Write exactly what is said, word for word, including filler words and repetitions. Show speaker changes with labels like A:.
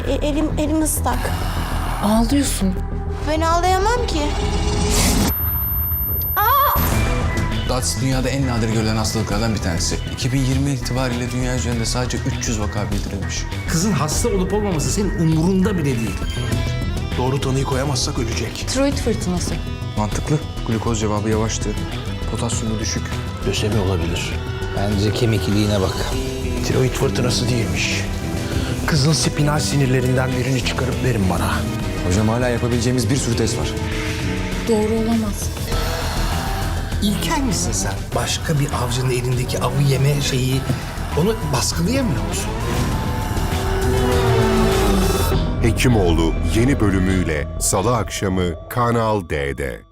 A: E, elim, elim ıslak.
B: Ağlıyorsun.
A: Ben ağlayamam ki.
C: D A T S dünyada en nadir görülen hastalıklardan bir tanesi. iki bin yirmi itibariyle dünya üzerinde sadece üç yüz vaka bildirilmiş.
D: Kızın hasta olup olmaması senin umurunda bile değil.
E: Doğru tanıyı koyamazsak ölecek.
B: Tiroid fırtınası.
C: Mantıklı. Glukoz cevabı yavaştı. Potasyumu düşük.
E: Lösemi olabilir.
D: Bence kemik iliğine bak.
E: Tiroid fırtınası değilmiş. Kızın spinal sinirlerinden birini çıkarıp verin bana.
C: Hocam hala yapabileceğimiz bir sürü test var.
B: Doğru olamaz.
D: İlkel misin sen? Başka bir avcının elindeki avı yeme şeyi, onu baskılayamıyor musun?
F: Hekimoğlu yeni bölümüyle Salı akşamı Kanal D'de.